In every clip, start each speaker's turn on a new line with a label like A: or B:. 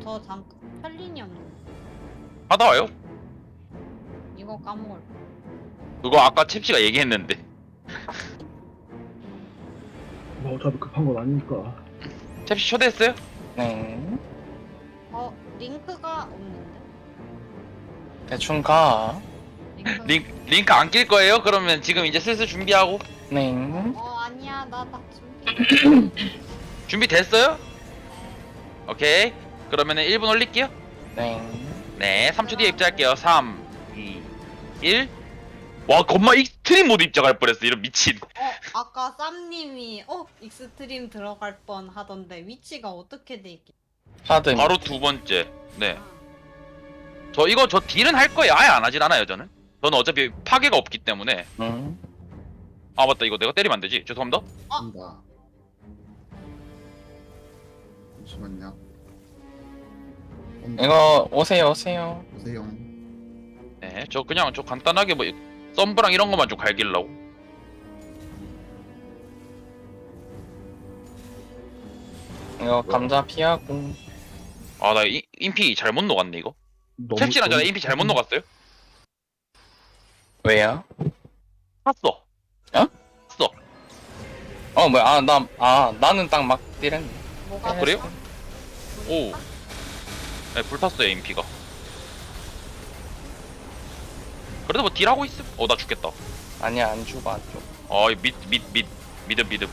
A: 저 잠깐 펠린이 없는데
B: 하다 와요?
A: 이거 까먹을 거.
B: 그거 아까 칩씨가 얘기했는데.
C: 뭐 어차피 급한 건 아니니까.
B: 칩씨 초대했어요?
D: 네.
A: 링크가 없는데?
D: 대충 가.
B: 링크 안 낄 거예요? 그러면 지금 이제 슬슬 준비하고.
D: 네.
A: 아니야 나 준비.
B: 준비됐어요? 오케이. 그러면은 1분 올릴게요.
D: 네.
B: 네, 3초 뒤에 입장할게요. 3, 2, 1. 와, 겁마 익스트림 모드 입장할 뻔했어. 이런 미친.
A: 아까 쌈님이 익스트림 들어갈 뻔 하던데 위치가 어떻게 돼 있게?
D: 하드.
B: 바로 두 번째. 네. 저 딜은 할 거예요. 아예 안 하진 않아요, 저는. 저는 어차피 파괴가 없기 때문에. 아, 맞다. 이거 내가 때리면 안 되지. 죄송합니다.
E: 한다. 잠시만요. 온다.
D: 이거 오세요.
E: 보세요.
B: 네, 저 간단하게 뭐 썸브랑 이런 것만 좀 갈기려고.
D: 이거 감자 피하고.
B: 아, 나 인피 잘못 녹았네, 이거. 캡치랑 전에 인피 잘못 녹았어요?
D: 왜요?
B: 샀어.
D: 어?
B: 샀어.
D: 뭐야? 나는 딱 막 딜했네.
A: 뭐가
B: 그래요?
A: 됐어?
B: 오. 네, 불탔어요, 인피가. 그래도 뭐 딜하고 있음? 나 죽겠다.
D: 아니야, 안 죽어.
B: 믿음.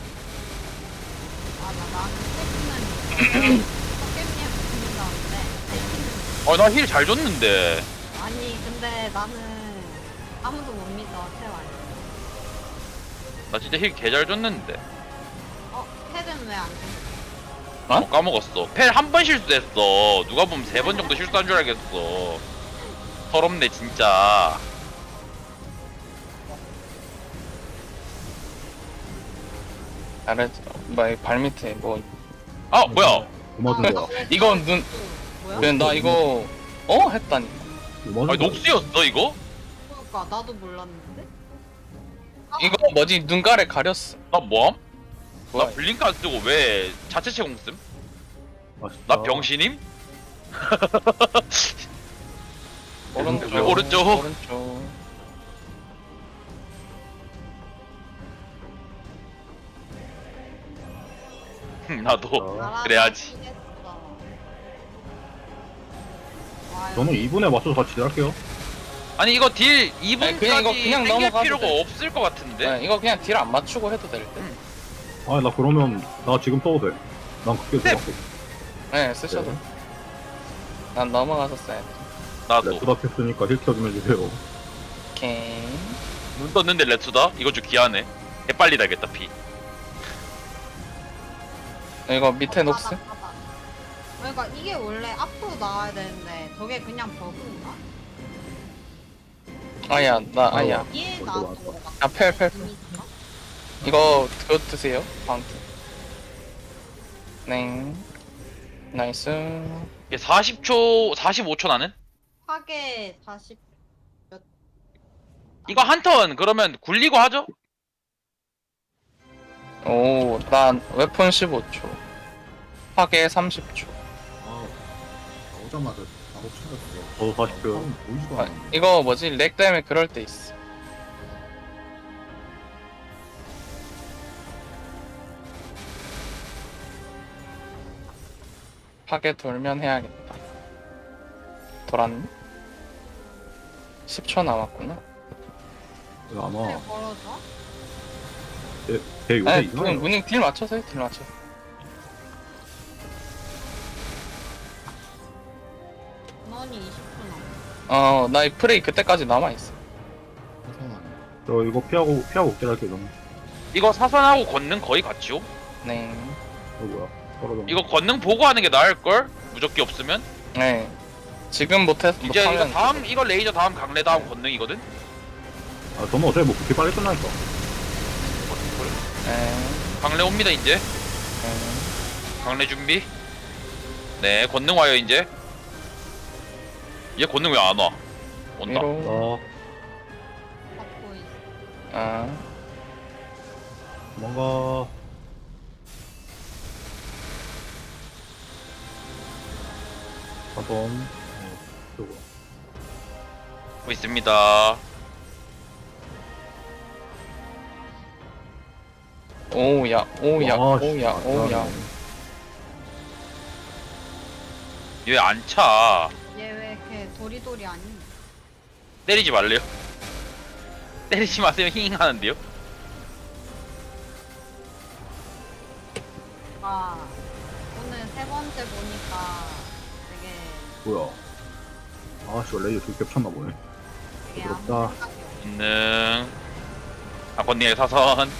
A: 나는 세팅은 포켓몬에 붙는다는데
B: 나 힐 잘 줬는데.
A: 아니 근데 나는 아무도 못 믿어 태환.
B: 나 진짜 힐 개 잘 줬는데.
A: 텔은 왜 안 돼?
B: 까먹었어. 펠 한 번 실수했어. 누가 보면 3번 정도 실수한 줄 알겠어. 서럽네, 진짜.
D: 잘했어. 발 밑에 뭐.
B: 아, 뭐야.
C: 뭐 맞은 거야?
D: 이건 눈.
A: 뭐야?
D: 그냥 나 이거 했다니.
C: 뭐 맞은
B: 아니,
C: 거야?
B: 녹수였어, 이거?
A: 그러니까 나도 몰랐는데.
D: 이거 뭐지? 눈가래 가렸어.
B: 나 뭐함? 나
D: 뭐야?
B: 블링크 안 쓰고 왜 자체체 공씀?
C: 맛있다.
B: 나 병신임?
D: 오른쪽.
B: 왜 오른쪽?
D: 오른쪽.
B: 나도
A: 나라도
B: 그래야지.
A: 피했어. 와,
C: 저는 2분에 맞춰서 같이 할게요.
B: 아니 이거 딜
D: 아니, 그냥 이거
B: 2분까지
D: 그냥
B: 땡길
D: 넘어가도
B: 필요가
D: 돼.
B: 없을 것 같은데?
D: 네, 이거 그냥 딜 안 맞추고 해도 될 듯.
C: 아니 나 그러면 나 지금 써도 돼. 난 그게
B: 네.
C: 좋았고.
D: 네, 쓰셔도.
C: 네.
D: 난 넘어가서 써야 돼.
B: 나도
C: 레트다 켰으니까 힐 켜좀 해주세요.
D: 오케이.
B: 눈 떴는데 레투다? 이거 좀 귀하네. 개빨리 달겠다 피.
D: 이거 밑에 녹스?
A: 바닥. 그러니까 이게 원래 앞으로 나와야 되는데 저게 그냥 버그인가?
D: 아야, 아야.
A: 이게
C: 먼저
A: 나왔던 거 같아.
D: 펠.
A: 재밌어?
D: 이거 그거 드세요. 방트. 네. 나이스.
B: 이게 40초, 45초 나는?
A: 파괴 40.
B: 이거 한 턴 그러면 굴리고 하죠?
D: 오, 난 웨폰 15초. 파괴 30초.
E: 아, 나오자마자 바로 찾았어.
C: 저도 40초.
E: 사람 보이지도 않았네.
D: 이거 뭐지? 렉 때문에 그럴 때 있어. 파괴 돌면 해야겠다. 돌았네? 10초 남았구나.
C: 이거 아마
A: 왜 걸어져?
C: 대 요새
D: 아니,
C: 이상해요.
D: 문ning 딜 맞춰서 해, 딜 맞춰서.
A: 너니 20분 남았어.
D: 나 이 프레이 그때까지 남아있어.
E: 사선하네.
C: 저 이거 피하고 없긴 할게요. 저는.
B: 이거 사선하고 권능 거의 같죠?
D: 네.
C: 이거 뭐야? 떨어져.
B: 이거 권능 보고 하는 게 나을걸? 무적기 없으면?
D: 네. 지금
B: 이제 이거
D: 못하면.
B: 다음 이거 레이저 다음 강래 다음 권능이거든?
C: 아 저는 어차피 뭐 그렇게 빨리 끝나니까.
D: 네.
B: 강래 옵니다 이제.
D: 네.
B: 강래 준비. 네, 권능 와요 이제. 얘 권능 왜 안 와? 온다.
D: 위로.
A: 받고 있어.
D: 아.
C: 뭔가 하던 쪽으로.
B: 하고 있습니다.
D: 오우야, 오우야,
C: 와, 씨,
D: 오우야, 오우야.
B: 얘 안 차.
A: 얘 왜 이렇게 도리도리 아니?
B: 때리지 말래요. 때리지 마세요. 힝 하는데요.
A: 아 오늘 세 번째 보니까 되게
C: 뭐야? 아씨, 레이저 저기 겹쳤나 보네.
A: 되게 아무
C: 부럽다.
A: 생각이 없어.
B: 있는 아버님의 사선.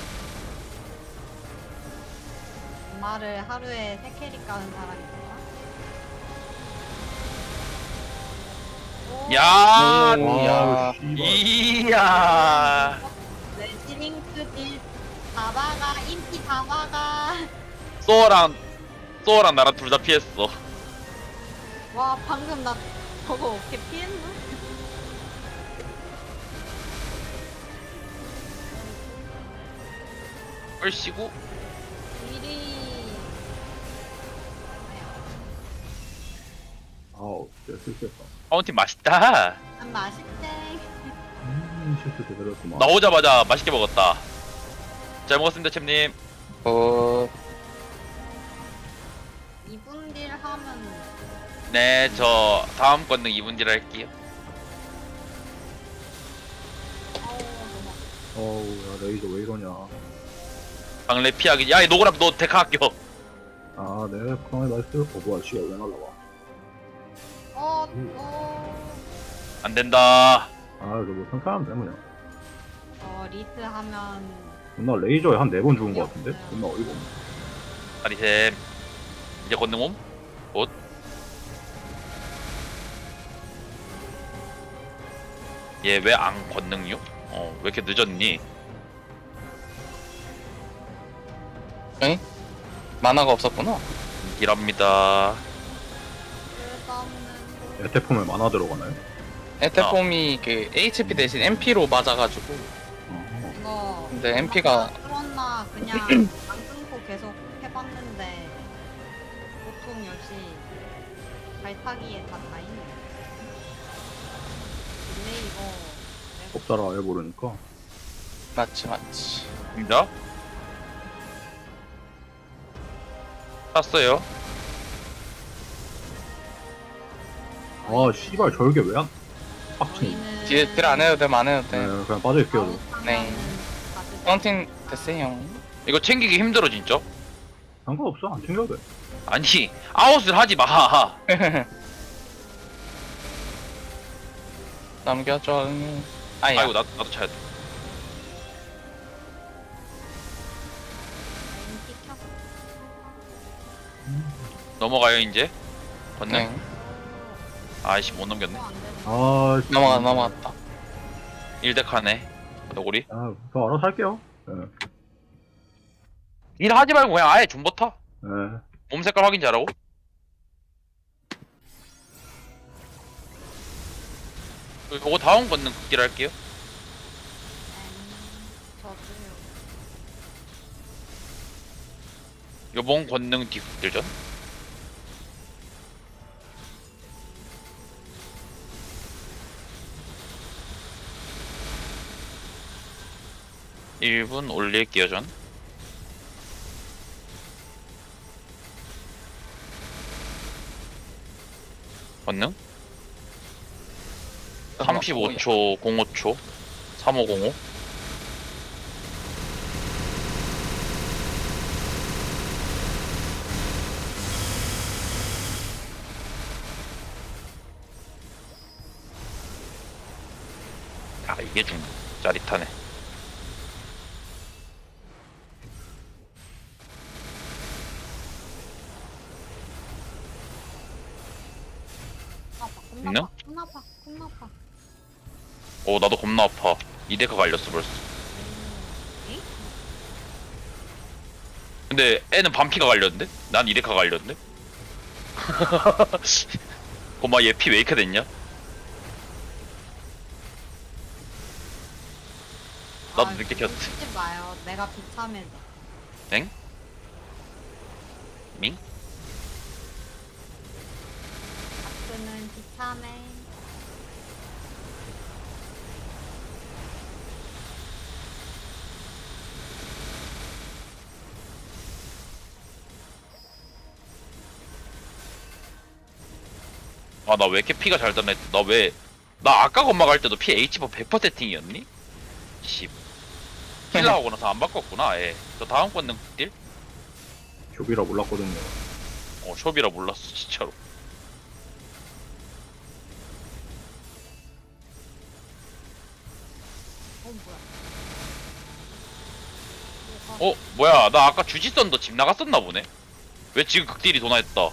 A: 엄마를 하루에 3캐릭 가는 사람이 있다.
B: 야,
D: 오우야.
C: 아우, 씨발.
B: 이야.
A: 레지링크 딜 다바가 인기 다바가.
B: 소어랑 나랑 둘 다 피했어.
A: 와 방금 나 저거 어떻게 피했나?
B: 얼씨구.
A: 딜이
C: 아우, 진짜 실수했다.
B: 파운틴 맛있다.
A: 안 맛있대.
C: 실수 제대로 했구만.
B: 나오자마자 맛있게 먹었다. 잘 먹었습니다, 챔님.
A: 이분 딜 하면
B: 네, 저 다음 권능 2분질 할게요.
A: 너무
C: 어우, 야, 레이저 왜 이러냐.
B: 방래 피하기. 야, 이 노그랍 너 데카 아껴.
C: 아, 네, 그만해, 나이스. 뭐야, 씨가 왜 날라와.
B: 안 된다.
C: 아, 저뭐 상상하면 돼, 그냥.
A: 리트 하면
C: 존나 레이저에 한 4번 죽은 거 같은데? 존나 어이가 없네.
B: 아리셈. 이제 권능 옴? 곧. 얘 왜 안 권능요? 왜 이렇게 늦었니?
D: 만화가 없었구나.
B: 이랍니다.
A: 끝없는
C: 에테폼에 만화 들어가나요?
D: 에테폼이 그 HP 대신 MP로 맞아가지고.
C: 어.
A: 이거
D: 근데 MP가
A: 그렇나 그냥 안 끊고 계속 해봤는데 보통 역시 발타기에 다 있네. 근데 이거
C: 법사라 아예 모르니까.
D: 맞지, 맞지.
B: 입니다. 땄어요.
C: 아, 씨발, 저게 왜 안, 빡치네.
A: 저희는
D: 뒤에 딜 안 해도 돼, 안 해도
C: 네,
D: 돼.
C: 그냥 빠져있게요, 저.
D: 네. 파운틴 됐어요.
B: 이거 챙기기 힘들어 진짜.
C: 상관없어, 안 챙겨도 돼.
B: 아니 아웃을 하지 마.
D: 남겨줘. 아야.
B: 아이고 나도 차야 돼. 넘어가요 이제. 권능.
D: 네.
B: 아이씨 못 넘겼네.
C: 아, 씨.
D: 넘어갔다.
B: 1덱하네. 너구리.
C: 아, 저 알아서 할게요. 네.
B: 일 하지 말고 그냥 아예 존버타.
C: 네.
B: 몸 색깔 확인 잘하고. 그거 다음 권능 극딜 할게요.
A: 저도요.
B: 요번 권능 뒤 극딜전. (1분) 올릴게요 전. 권능 35초 05초 3505. 아 이게 좀 짜릿하네. 있나?
A: 겁나 아파. 겁나 아파.
B: 나도 겁나 아파. 이데카 갈렸어 벌써.
A: 에이?
B: 근데 애는 반피가 갈렸는데? 난 이데카 갈렸는데? 고마 얘 피 왜 이렇게 됐냐? 나도 늦게 켰어.
A: 쓰지 마요. 내가 비참해져.
B: 엥? 밍?
A: 같은 참해.
B: 아 나 왜 이렇게 피가 잘 닿나 했지? 나 아까 건막 할 때도 피 H버 100% 세팅이었니? 씨 킬러하고 나서 안 바꿨구나. 예. 저 다음 건능 딜?
C: 쇼비라 몰랐거든요.
B: 숍이라 몰랐어 진짜로.
A: 뭐야?
B: 뭐야 나 아까 주지선도 집 나갔었나 보네. 왜 지금 극딜이 도나했다.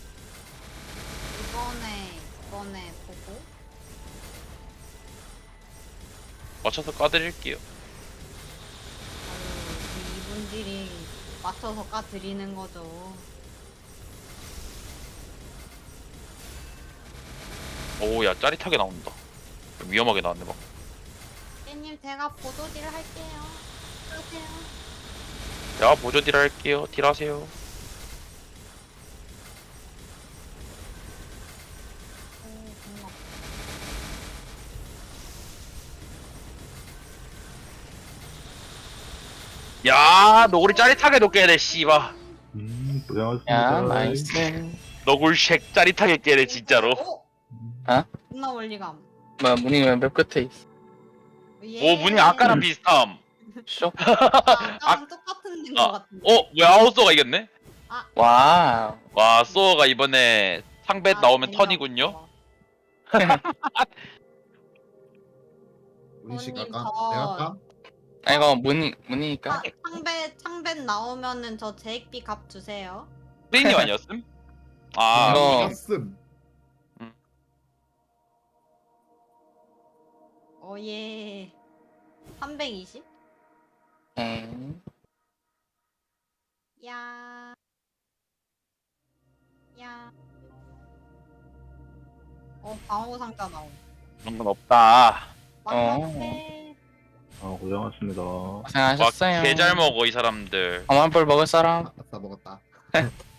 A: 이번에 보고.
B: 맞춰서 까드릴게요.
A: 아유, 이분들이 맞춰서 까드리는 거죠.
B: 오야 짜릿하게 나온다. 위험하게 나왔네 막.
A: 깻님 제가 보조딜 할게요. 하세요.
B: 야 보조 딜 할게요. 딜하세요.
A: 고마워.
B: 야 너구리 짜릿하게 녹게 돼 씨바.
C: 고생하셨습니다.
D: 야 나이스.
B: 너굴쉑 짜릿하게 깨네 진짜로.
D: 어?
A: 존나 원리감.
D: 뭐야 문이 왜 몇 끝에 있어?
A: 예.
B: 오 문이 아까랑 비슷함.
D: 쇼.
A: 아까랑 똑같은 데인 것 같은데.
B: 뭐야 아웃소가 이겼네?
D: 와우.
B: 와 소어가 이번에 상배
A: 아,
B: 나오면
A: 재미없어.
B: 턴이군요.
E: 문희씨
A: 손님,
E: 갈까?
A: 저-
E: 내가 갈까?
D: 아 이거 문이니까.
A: 창벤 나오면은 저 제익비 값 주세요.
B: 프레이님 아니었음? 아
D: 이거-
E: 갔음.
A: 예. 320?
D: 오케이.
A: 야. 방어 상자 나옴.
B: 그런 건 없다.
A: 막막해.
C: 고생하셨습니다.
B: 와
D: 고생하셨어요.
B: 개 잘 먹어 이 사람들.
D: 엄한불 먹을 사람?
E: 아싸 먹었다.